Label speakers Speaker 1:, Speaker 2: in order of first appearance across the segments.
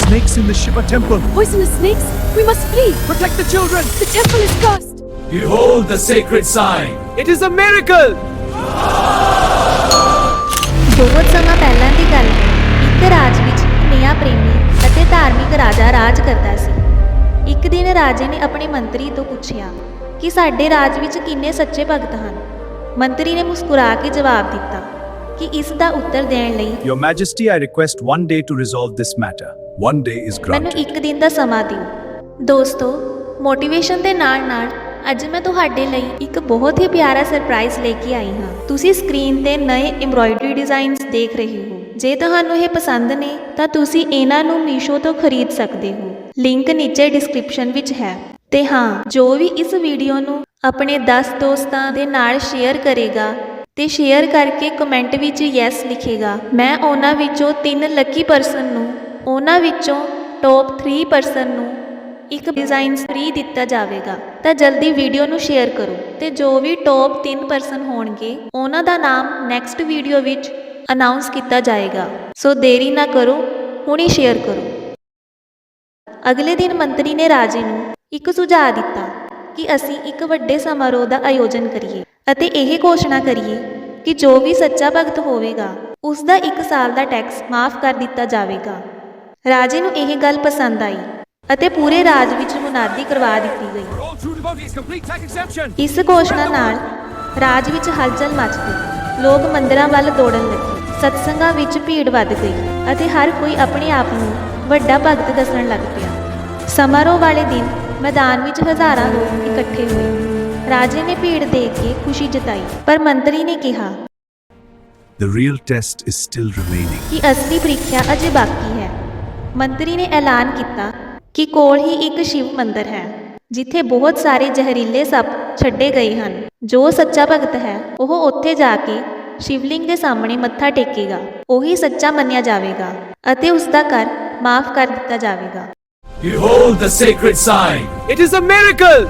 Speaker 1: snakes in the Shiva temple.
Speaker 2: Poisonous snakes? We must flee!
Speaker 1: Protect the children.
Speaker 2: The temple is cursed!
Speaker 3: Behold the sacred sign.
Speaker 1: It is a miracle.
Speaker 4: ਬਹੁਤ ਸਮਾਂ ਪਹਿਲਾਂ ਦੀ ਗੱਲ ਹੈ। ਇੱਕ ਰਾਜ ਵਿੱਚ ਨਿਆਂ ਪ੍ਰੇਮੀ ਅਤੇ ਧਾਰਮਿਕ ਰਾਜਾ ਰਾਜ ਕਰਦਾ ਸੀ। ਇੱਕ ਦਿਨ ਰਾਜੇ ਨੇ ਆਪਣੇ ਮੰਤਰੀ ਤੋਂ ਪੁੱਛਿਆ ਕਿ ਸਾਡੇ ਰਾਜ ਵਿੱਚ ਕਿੰਨੇ ਸੱਚੇ ਭਗਤ ਹਨ। ਮੰਤਰੀ ਨੇ ਮੁਸਕਰਾ ਕੇ ਜਵਾਬ ਦਿੱਤਾ ਕਿ ਇਸ ਦਾ ਉੱਤਰ ਦੇਣ ਲਈ
Speaker 1: Your Majesty, I request 1 day to resolve this matter. 1 day is
Speaker 4: ਮੈਨੂੰ
Speaker 1: granted.
Speaker 4: ਇੱਕ ਦਿਨ ਦਾ ਸਮਾਂ ਦਿਓ। ਦੋਸਤੋ, ਮੋਟੀਵੇਸ਼ਨ ਦੇ ਨਾਲ-ਨਾਲ ਅੱਜ ਮੈਂ ਤੁਹਾਡੇ ਲਈ ਇੱਕ ਬਹੁਤ ਹੀ ਪਿਆਰਾ ਸਰਪ੍ਰਾਈਜ਼ ਲੈ ਕੇ ਆਈ ਹਾਂ। ਤੁਸੀਂ ਸਕਰੀਨ ਤੇ ਨਵੇਂ ਐਮਬ੍ਰੋਇਡਰੀ ਡਿਜ਼ਾਈਨਸ ਦੇਖ ਰਹੇ ਹੋ। ਜੇ ਤੁਹਾਨੂੰ ਇਹ ਪਸੰਦ ਨੇ ਤਾਂ ਤੁਸੀਂ ਇਹਨਾਂ ਨੂੰ ਮੀਸ਼ੋ ਤੋਂ ਖਰੀਦ ਸਕਦੇ ਹੋ। ਲਿੰਕ ਨੀਚੇ ਡਿਸਕ੍ਰਿਪਸ਼ਨ ਵਿੱਚ ਹੈ। ਤੇ ਹਾਂ, ਜੋ ਵੀ ਇਸ ਵੀਡੀਓ ਨੂੰ ਆਪਣੇ 10 ਦੋਸਤਾਂ ਦੇ ਨਾਲ ਸ਼ੇਅਰ ਕਰੇਗਾ ਤੇ ਸ਼ੇਅਰ ਕਰਕੇ ਕਮੈਂਟ ਵਿੱਚ ਯੈਸ ਲਿਖੇਗਾ, ਮੈਂ ਉਹਨਾਂ ਵਿੱਚੋਂ 3 ਲੱਕੀ ਪਰਸਨ ਨੂੰ, ਉਹਨਾਂ ਵਿੱਚੋਂ ਟੌਪ 3 ਪਰਸਨ ਨੂੰ ਇੱਕ ਡਿਜ਼ਾਈਨ ਫ੍ਰੀ ਦਿੱਤਾ ਜਾਵੇਗਾ। ਤਾਂ ਜਲਦੀ ਵੀਡੀਓ ਨੂੰ ਸ਼ੇਅਰ ਕਰੋ ਤੇ ਜੋ ਵੀ ਟੌਪ 3 ਪਰਸਨ ਹੋਣਗੇ ਉਹਨਾਂ ਦਾ ਨਾਮ ਨੈਕਸਟ ਵੀਡੀਓ ਵਿੱਚ ਅਨਾਉਂਸ ਕੀਤਾ ਜਾਏਗਾ। ਸੋ ਦੇਰੀ ਨਾ ਕਰੋ, ਹੁਣੀ ਸ਼ੇਅਰ ਕਰੋ। ਅਗਲੇ ਦਿਨ ਮੰਤਰੀ ਨੇ ਰਾਜੇ ਨੂੰ ਇੱਕ ਸੁਝਾਅ ਦਿੱਤਾ ਕਿ ਅਸੀਂ ਇੱਕ ਵੱਡੇ ਸਮਾਰੋਹ ਦਾ ਆਯੋਜਨ ਕਰੀਏ ਅਤੇ ਇਹ ਘੋਸ਼ਣਾ ਕਰੀਏ ਕਿ ਜੋ ਵੀ ਸੱਚਾ ਭਗਤ ਹੋਵੇਗਾ ਉਸ ਦਾ 1 ਸਾਲ ਦਾ ਟੈਕਸ ਮਾਫ ਕਰ ਦਿੱਤਾ ਜਾਵੇਗਾ। ਰਾਜੇ ਨੂੰ ਇਹ ਗੱਲ ਪਸੰਦ ਆਈ ਅਤੇ ਪੂਰੇ ਰਾਜ ਵਿੱਚ ਮੁਨਾਦੀ ਕਰਵਾ ਦਿੱਤੀ ਗਈ।
Speaker 1: All true devotees complete tax exemption.
Speaker 4: ਇਸ ਘੋਸ਼ਣਾ ਨਾਲ ਰਾਜ ਵਿੱਚ ਹਲਚਲ ਮਚ ਗਈ। ਲੋਕ ਮੰਦਿਰਾਂ ਵੱਲ ਦੌੜਨ ਲੱਗੇ, ਸਤਸੰਗਾਂ ਵਿੱਚ ਭੀੜ ਵੱਧ ਗਈ ਅਤੇ ਹਰ ਕੋਈ ਆਪਣੇ ਆਪ ਨੂੰ ਵੱਡਾ ਭਗਤ ਦੱਸਣ ਲੱਗ ਪਿਆ। ਸਮਾਰੋਹ ਵਾਲੇ ਦਿਨ ਮੈਦਾਨ ਵਿੱਚ ਹਜ਼ਾਰਾਂ ਲੋਕ ਇਕੱਠੇ ਹੋਏ। ਰਾਜੇ ਨੇ ਭੀੜ ਦੇਖ ਕੇ ਖੁਸ਼ੀ ਜਤਾਈ, ਪਰ ਮੰਤਰੀ ਨੇ ਕਿਹਾ
Speaker 1: The real test is still remaining.
Speaker 4: ਕਿ ਅਸਲੀ ਪ੍ਰੀਖਿਆ ਅਜੇ ਬਾਕੀ ਹੈ। ਮੰਤਰੀ ਨੇ ਐਲਾਨ ਕੀਤਾ ਕਿ ਕੋਲ ਹੀ ਇੱਕ ਸ਼ਿਵ ਮੰਦਿਰ ਹੈ ਜਿੱਥੇ ਬਹੁਤ ਸਾਰੇ ਜ਼ਹਿਰੀਲੇ ਸੱਪ ਛੱਡੇ ਗਏ ਹਨ। ਜੋ ਸੱਚਾ ਭਗਤ ਹੈ ਉਹ ਉੱਥੇ ਜਾ ਕੇ ਸ਼ਿਵਲਿੰਗ ਦੇ ਸਾਹਮਣੇ ਮੱਥਾ ਟੇਕੇਗਾ, ਉਹੀ ਸੱਚਾ ਮੰਨਿਆ ਜਾਵੇਗਾ ਅਤੇ ਉਸ ਦਾ ਕਰ ਮਾਫ ਕਰ ਦਿੱਤਾ ਜਾਵੇਗਾ।
Speaker 3: Behold the sacred sign.
Speaker 1: It is a miracle.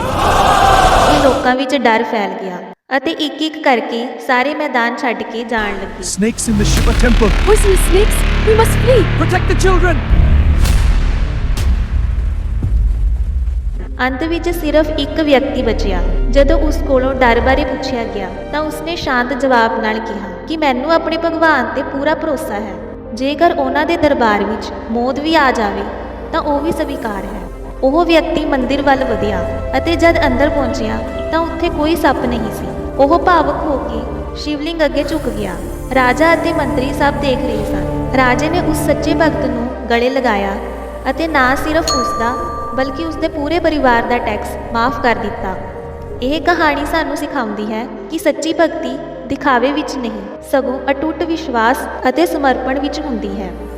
Speaker 4: ਇਹ ਲੋਕਾਂ ਵਿੱਚ ਡਰ ਫੈਲ ਗਿਆ ਅਤੇ ਇੱਕ-ਇੱਕ ਕਰਕੇ ਸਾਰੇ ਮੈਦਾਨ ਛੱਡ ਕੇ ਜਾਣ ਲੱਗੇ।
Speaker 1: Snakes in the Shiva temple.
Speaker 2: Poisonous snakes? We must flee!
Speaker 1: Protect the children.
Speaker 4: ਅੰਤ ਵਿੱਚ ਸਿਰਫ ਇੱਕ ਵਿਅਕਤੀ ਬਚਿਆ। ਜਦੋਂ ਉਸ ਕੋਲੋਂ ਡਰ ਬਾਰੇ ਪੁੱਛਿਆ ਗਿਆ ਤਾਂ ਉਸਨੇ ਸ਼ਾਂਤ ਜਵਾਬ ਨਾਲ ਕਿਹਾ ਕਿ ਮੈਨੂੰ ਆਪਣੇ ਭਗਵਾਨ ਤੇ ਪੂਰਾ ਭਰੋਸਾ ਹੈ। ਜੇਕਰ ਉਹਨਾਂ ਦੇ ਦਰਬਾਰ ਵਿੱਚ ਮੌਤ ਵੀ ਆ ਜਾਵੇ ਤਾਂ ਉਹ ਵੀ ਸਵੀਕਾਰ ਹੈ। ਉਹ ਵਿਅਕਤੀ ਮੰਦਿਰ ਵੱਲ ਵਧਿਆ ਅਤੇ ਜਦ ਅੰਦਰ ਪਹੁੰਚਿਆ ਤਾਂ ਉੱਥੇ ਕੋਈ ਸੱਪ ਨਹੀਂ ਸੀ। ਉਹ ਭਾਵੁਕ ਹੋ ਕੇ ਸ਼ਿਵਲਿੰਗ ਅੱਗੇ ਝੁਕ ਗਿਆ। ਰਾਜਾ ਅਤੇ ਮੰਤਰੀ ਸਭ ਦੇਖ ਰਹੇ ਸਨ। ਰਾਜੇ ਨੇ ਉਸ ਸੱਚੇ ਭਗਤ ਨੂੰ ਗਲੇ ਲਗਾਇਆ ਅਤੇ ਨਾ ਸਿਰਫ ਉਸਦਾ ਬਲਕਿ ਉਸਦੇ ਪੂਰੇ ਪਰਿਵਾਰ ਦਾ ਟੈਕਸ ਮਾਫ ਕਰ ਦਿੱਤਾ। ਇਹ ਕਹਾਣੀ ਸਾਨੂੰ ਸਿਖਾਉਂਦੀ ਹੈ ਕਿ ਸੱਚੀ ਭਗਤੀ ਦਿਖਾਵੇ ਵਿੱਚ ਨਹੀਂ, ਸਗੋਂ ਅਟੁੱਟ ਵਿਸ਼ਵਾਸ ਅਤੇ ਸਮਰਪਣ ਵਿੱਚ ਹੁੰਦੀ ਹੈ।